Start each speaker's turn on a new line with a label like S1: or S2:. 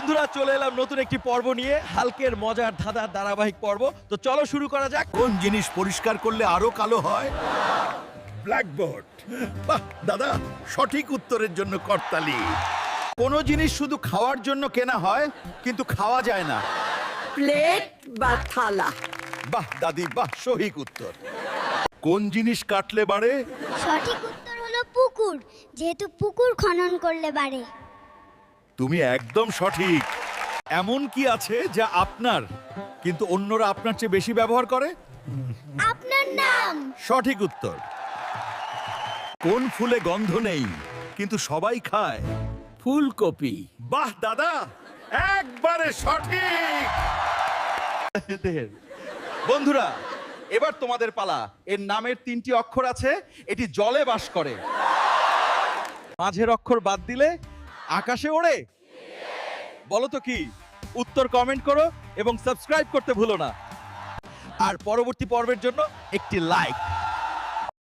S1: বন্ধুরা চলে এলাম নতুন একটি পর্ব নিয়ে, হালকের মজার ধাঁধার ধারাবাহিক পর্ব। তো চলো শুরু করা যাক।
S2: কোন জিনিস পরিষ্কার করলে আরো কালো হয়? ব্ল্যাকবোর্ড। বাহ দাদা, সঠিক উত্তরের জন্য করতালি। কোন জিনিস শুধু খাওয়ার জন্য কেনা হয় কিন্তু খাওয়া যায় না?
S3: প্লেট বা থালা।
S2: বাহ দাদি, বাহ, সঠিক উত্তর। কোন জিনিস কাটলে বাড়ে?
S4: সঠিক উত্তর হলো পুকুর, যেহেতু পুকুর খনন করলে বাড়ে।
S2: তুমি একদম সঠিক। এমন কি আছে যা আপনার কিন্তু অন্যরা আপনার চেয়ে বেশি ব্যবহার করে?
S4: আপনার নাম।
S2: সঠিক উত্তর। কোন ফুলে গন্ধ নেই কিন্তু সবাই খায়?
S1: ফুলকপি।
S2: বাহ দাদা, একবারে সঠিক।
S1: বন্ধুরা এবার তোমাদের পালা। এর নামের 3টি অক্ষর আছে, এটি জলে বাস করে। মাঝের অক্ষর বাদ দিলে আকাশে ওড়ে। বলো তো কি? উত্তর কমেন্ট করো এবং সাবস্ক্রাইব করতে ভুলো না। আর পরবর্তী পর্বের জন্য একটি লাইক।